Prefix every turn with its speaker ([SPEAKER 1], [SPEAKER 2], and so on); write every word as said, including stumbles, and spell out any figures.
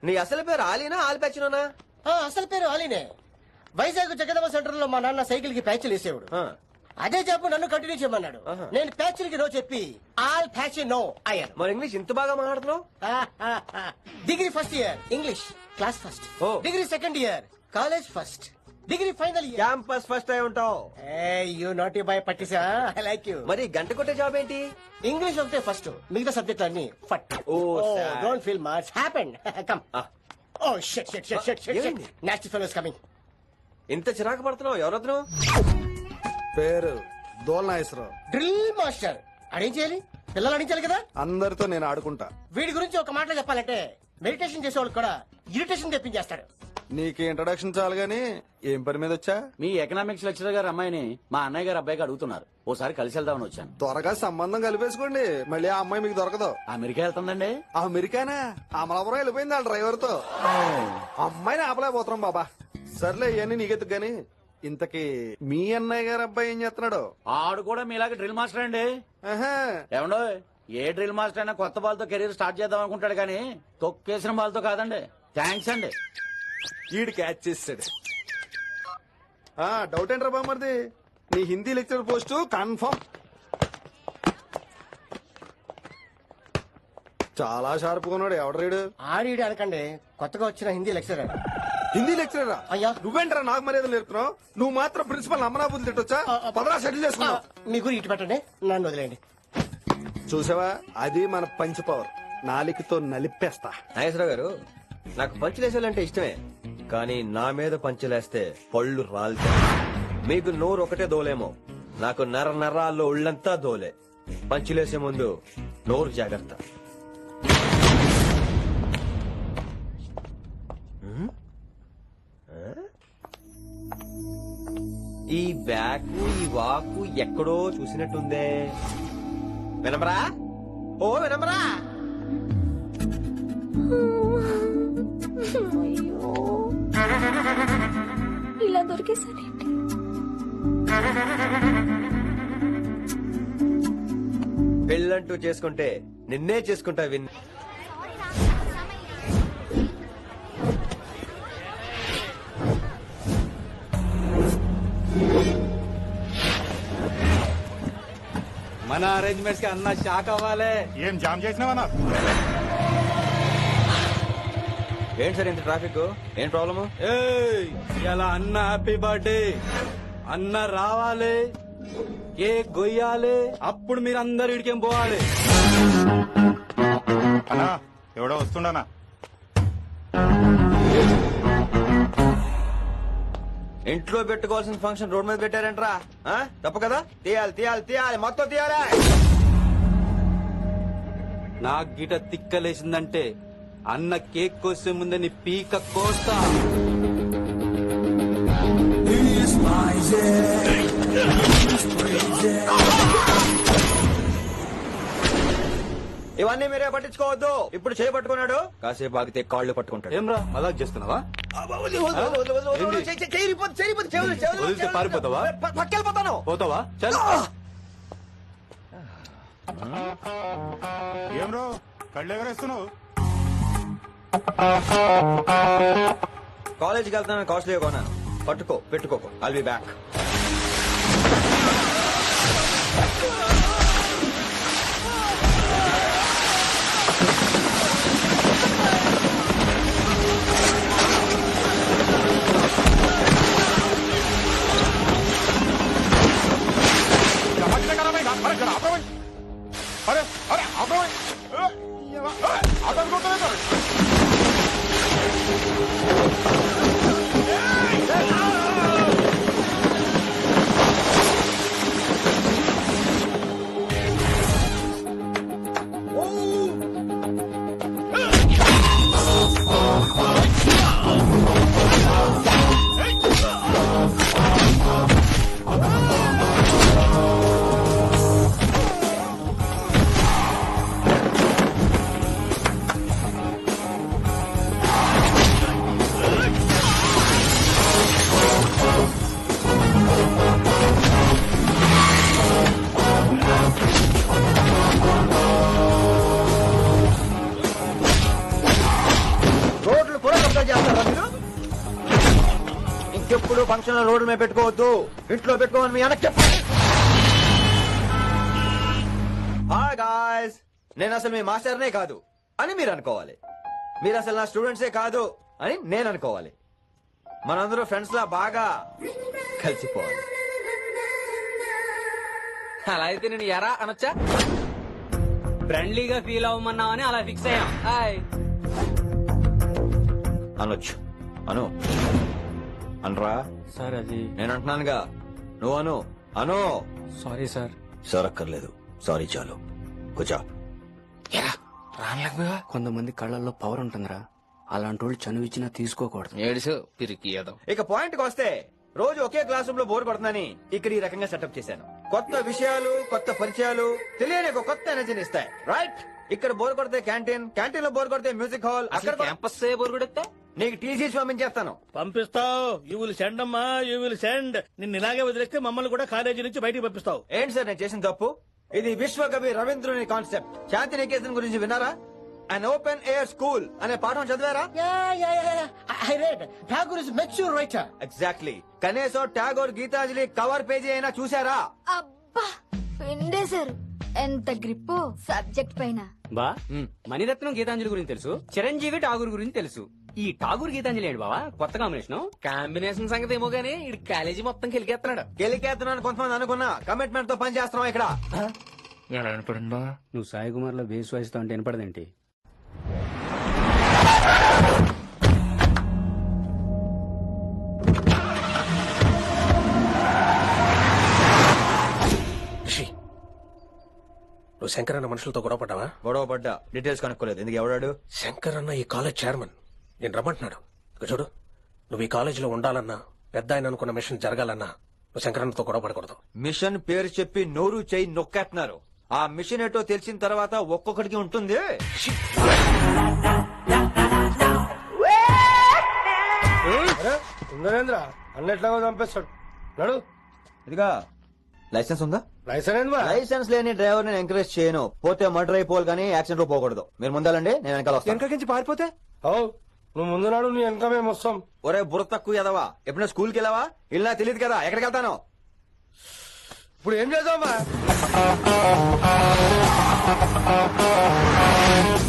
[SPEAKER 1] నీ అసలు పేరు ఆలీనా ఆల్పచ్చినోనా?
[SPEAKER 2] అసలు పేరు ఆలీనే. వైజాగ్ జగదమ్మ సెంటర్ లో మా నాన్న సైకిల్ కి ప్యాచ్లు వేసేవాడు. అదే జాబ్ నన్ను కంటిన్యూ చేయమన్నాడు. నేను ప్యాచ్లకి నో చెప్పి ఆల్ ప్యాచ్ నో అయ్యాను.
[SPEAKER 1] మరి ఇంగ్లీష్ ఇంత బాగా మాట్లాడుతున్నావు?
[SPEAKER 2] Degree first year English class first. Degree second year college first. Degree final year
[SPEAKER 1] campus first అయి ఉంటావు.
[SPEAKER 2] యూ నాట్ యూ బై పట్టిసా. I like you.
[SPEAKER 1] మరి గంట కొట్టే జాబ్ ఏంటి?
[SPEAKER 2] ఇంగ్లీష్ ఒకటే ఫస్ట్, మిగతా సబ్జెక్ట్ అన్ని ఫట్. Don't feel much happened. Come. Oh shit shit shit shit shit. Next fellows coming.
[SPEAKER 1] ఇంత చిరాకు పడుతున్నావు? ఎవరొద్దు?
[SPEAKER 3] పేరు దోల్నాగేశ్వరరావు.
[SPEAKER 2] Drill master. అడేం చేయాలి? పిల్లలు అడించాలి కదా.
[SPEAKER 3] అందరితో నేను ఆడుకుంటా.
[SPEAKER 2] వీడి గురించి ఒక మాటలో చెప్పాలంటే మెడిటేషన్ చేసేవాళ్ళు కూడా ఇరిటేషన్ తెప్పించేస్తాడు.
[SPEAKER 3] నీకు ఇంట్రడక్షన్ చాలు గానీ ఏం పని మీద వచ్చా?
[SPEAKER 4] మీ ఎకనామిక్స్ లెక్చరర్ గారు అమ్మాయిని మా అన్నయ్య గారు అబ్బాయికి అడుగుతున్నారు. ఓసారి కలిసి వెళ్దామని వచ్చాను.
[SPEAKER 3] త్వరగా సంబంధం కలిపేసుకోండి, మళ్ళీ ఆ అమ్మాయి మీకు దొరకదు.
[SPEAKER 4] అమెరికా వెళ్తుందండి.
[SPEAKER 3] అమెరికానా? అమలాపురం వెళ్ళిపోయింది ఆ డ్రైవర్ తో. అమ్మాయిని ఆపలేకపోతున్నాం బాబా. సర్లే ఇవన్నీ నీకెత్తుకు గాని ఇంతకీ మీ అన్నయ్య గారు అబ్బాయి ఏం చేస్తున్నాడు?
[SPEAKER 4] ఆడు కూడా మీలాగే డ్రిల్ మాస్టర్ అండి. ఏమండో ఏ డ్రిల్ మాస్టర్ అయినా కొత్త బాల్తో కెరీర్ స్టార్ట్ చేద్దాం అనుకుంటాడు కానీ తొక్కేసిన బాల్తో కాదండి. థ్యాంక్స్ అండి.
[SPEAKER 3] ఈడు క్యాచ్ చేసాడు. డౌట్ ఏంట్రా బామ్మర్ది? నీ హిందీ లెక్చర్ పోస్ట్ కన్ఫర్మ్. చాలా షార్ప్ ఉన్నాడు. ఎవడరీడు?
[SPEAKER 2] ఆడీడు అనకండి, కొత్తగా వచ్చిన హిందీ లెక్చరర్.
[SPEAKER 3] హిందీ లెక్చరరా?
[SPEAKER 2] అయ్యా
[SPEAKER 3] నువ్వేంట్రా నాకు మర్యాద నేర్పుతున్నావు? నువ్వు మాత్రం ప్రిన్సిపల్ అమరాబుద్ధి తిట్టొచ్చా? పదరా సెటిల్ చేసుకున్నావు.
[SPEAKER 2] మీ గురి ఇటు పెట్టండి, నన్ను వదిలేండి.
[SPEAKER 3] చూసావా, అది మన పంచ్ పవర్. నాలికతో నలిపేస్తా.
[SPEAKER 1] నాగేశ్వరరావు గారు, నాకు పంచులేసాలంటే ఇష్టమే, కానీ నా మీద పంచులేస్తే పళ్ళు రాలుతాయి. మీకు నోరు ఒకటే దోలేమో, నాకు నర నరాల్లో ఉళ్ళంతా దోలే. పంచులేసే ముందు నోరు జాగ్రత్త. ఈ బ్యాకు ఈ వాకు ఎక్కడో చూసినట్టుందే. వినమరా? ఓ వినమరా?
[SPEAKER 5] అయ్యో ఇలా దొరికేసానేంటి?
[SPEAKER 1] పెళ్ళంటూ చేసుకుంటే నిన్నే చేసుకుంటా. విన్
[SPEAKER 4] మన అరేంజ్మెంట్స్ కి అన్న షాక్ అవ్వాలి.
[SPEAKER 6] ఏం జామ్ చేసినావన్నా?
[SPEAKER 1] ఏంటి సార్ ఇంత ట్రాఫిక్? ఏం ప్రాబ్లము?
[SPEAKER 4] ఇలా అన్న హ్యాపీ బర్త్డే. అన్న రావాలి, కేక్ గొయ్యాలి, అప్పుడు మీరు అందరు ఇడికేం పోవాలి.
[SPEAKER 6] అన్నా ఎవడో వస్తుండనా?
[SPEAKER 1] ఇంట్లో పెట్టుకోవాల్సిన ఫంక్షన్ రోడ్ మీద పెట్టారంట్రా. తప్పు కదా? తీయాలి తీయాలి తీయాలి, మొత్తం తీయాలి.
[SPEAKER 4] నాకు గిట తిక్కలేసిందంటే అన్న కేక్ కోసే ముందే నీ పీక కోస్తా.
[SPEAKER 1] ఇవన్నీ మీరే పట్టించుకోవద్దు. ఇప్పుడు చేయి పట్టుకున్నాడు, కాసేపు ఆగితే కాళ్ళు పట్టుకుంటాడు.
[SPEAKER 4] ఏమ్రా మజాక్ చేస్తున్నావా? పారిపోతావా?
[SPEAKER 1] పక్కెళ్ళిపోతాను.
[SPEAKER 4] పోతావా? చల్.
[SPEAKER 6] ఏం రో కళ్ళు ఎగరేస్తున్నావు?
[SPEAKER 1] కాలేజీకి వెళ్తాను, కాస్ట్లీ కొనా. పట్టుకో, పెట్టుకోకో. I'll be back.
[SPEAKER 6] అరే అరే అబ్బాయి అతను
[SPEAKER 1] ఫంక్షన్ లో రోడ్డు మీద పెట్టుకోవద్దు, ఇంట్లో పెట్టుకోమని మీ అన్నకి చెప్పండి. హాయ్ గాయ్స్, నేను అసలు మీ మాస్టర్నే కాదు అని మీరు అనుకోవాలి. మీరు అసలు నా స్టూడెంట్సే కాదు అని నేను అనుకోవాలి. మనందరూ ఫ్రెండ్స్ లా బాగా కలిసిపోవాలి.
[SPEAKER 5] అలా అయితే నేను ఎరా అనొచ్చా? ఫ్రెండ్లీగా ఫీల్ అవ్వమన్నావని అలా ఫిక్స్ అయ్యాం. హాయ్
[SPEAKER 1] అనొచ్చు. అను అనరా
[SPEAKER 5] సార్. అది
[SPEAKER 1] నేను అంటున్నానుగా, నువ్వు అను. అను.
[SPEAKER 5] Sorry sir.
[SPEAKER 1] సార్ అక్కర్లేదు, సారీ చాలు. కూర్చో.
[SPEAKER 5] కొంతమంది కళ్ళల్లో పవర్ ఉంటుందిరా, అలాంటి వాళ్ళు చనువు ఇచ్చినా తీసుకోకూడదు.
[SPEAKER 7] ఏడుసు పిరికి ఏదో.
[SPEAKER 1] ఇక పాయింట్ కి వస్తే, రోజు ఒకే క్లాస్ రూమ్ లో బోర్ కొడుతుందని ఇక్కడ ఈ రకంగా సెటప్ చేశాను. కొత్త విషయాలు, కొత్త పరిచయాలు తెలియని ఒక కొత్త ఎనర్జీని ఇస్తాయి. రైట్? ఇక్కడ బోర్ కొడితే క్యాంటీన్, క్యాంటీన్ లో బోర్ కొడితే మ్యూజిక్ హాల్, అక్కడ
[SPEAKER 5] క్యాంపస్ బోరుగుడెత్తే
[SPEAKER 1] నీకు టీసీస్ పంపించేస్తాను.
[SPEAKER 8] పంపిస్తావు. యూ విల్ సెండ్ అమ్మా, యూ విల్ సెండ్. నిన్ను ఇలాగే వదిలేస్తే మమ్మల్ని కూడా కాలేజీ నుంచి బయటికి పంపిస్తావు.
[SPEAKER 1] ఏంటి సార్ నేను చేసిన తప్పు? ఇది విశ్వకవి రవీంద్రుని కాన్సెప్ట్. శాంతి నికేతన్ గురించి విన్నారా? అన్ ఓపెన్ ఎయిర్ స్కూల్ అనే పాఠం చదివారా?
[SPEAKER 2] I read Tagore is mature writer.
[SPEAKER 1] Exactly. కనీసం టాగోర్ గీతాంజలి కవర్ పేజీ అయినా చూసారా?
[SPEAKER 9] అబ్బా పిండేశారు. ఎంత గ్రిప్పో సబ్జెక్ట్ పైన.
[SPEAKER 5] బా మణిరత్నం గీతాంజలి గురించి తెలుసు, చిరంజీవి ఠాగూర్ గురించి తెలుసు. ఈ ఠాగూర్ గీతాంజలి ఏంటి బావా కొత్త కాంబినేషన్?
[SPEAKER 7] కాంబినేషన్ సంగతి ఏమో గానీ ఈ కాలేజీ మొత్తం కెలికేస్తున్నాడు.
[SPEAKER 1] గెలికేస్తున్నాను కొంతమంది అనుకున్నా, కమిట్మెంట్ తో పని చేస్తున్నాం ఇక్కడ.
[SPEAKER 7] ఎలా వినపడిందా?
[SPEAKER 5] నువ్వు సాయి కుమార్ లో బేస్ వాయిస్తో అంటే వినపడదేంటి?
[SPEAKER 8] నువ్వు శంకర్ అన్న మనుషులతో గొడవ పడ్డావా?
[SPEAKER 1] గొడవ పడ్డా, డీటెయిల్స్ కనుక్కోలేదు. ఎందుకు? ఎవడాడు?
[SPEAKER 8] శంకర్ అన్న ఈ కాలేజ్ చైర్మన్. నేను రమ్మంటున్నాడు. ఇక చూడు, నువ్వు ఈ కాలేజీలో ఉండాలన్నా, పెద్ద ఆయన అనుకున్న మిషన్ జరగాలన్నా నువ్వు శంకర్ అన్నతో గొడవ పడకూడదు.
[SPEAKER 1] మిషన్ పేరు చెప్పి నోరు చేయి నొక్కేస్తున్నారు. ఆ మిషన్ ఏటో తెలిసిన తర్వాత ఒక్కొక్కడికి ఉంటుంది.
[SPEAKER 2] నరేంద్ర అన్నెట్లాగో చంపేస్తాడు. నడు.
[SPEAKER 1] ఇదిగా లైసెన్స్ ఉందా?
[SPEAKER 2] లైసెన్స్
[SPEAKER 1] లైసెన్స్ లేని డ్రైవర్ నేను ఎంకరేజ్ చేయను. పోతే మర్డర్ అయిపోవాలి కానీ యాక్సిడెంట్ లో పోకూడదు. మీరు ముందాలండి, నేను వెనకాల వస్తాను.
[SPEAKER 2] వెనకకించి పారిపోతే నువ్వు ముందు నాడు నీ వెనక మేము వస్తాం.
[SPEAKER 1] ఒరే బుర్ర తక్కువ ఎదవా, ఎప్పుడైనా స్కూల్కి వెళ్ళావా? ఇలా తెలియదు కదా ఎక్కడికి వెళ్తాను.
[SPEAKER 2] ఇప్పుడు ఏం చేద్దామా?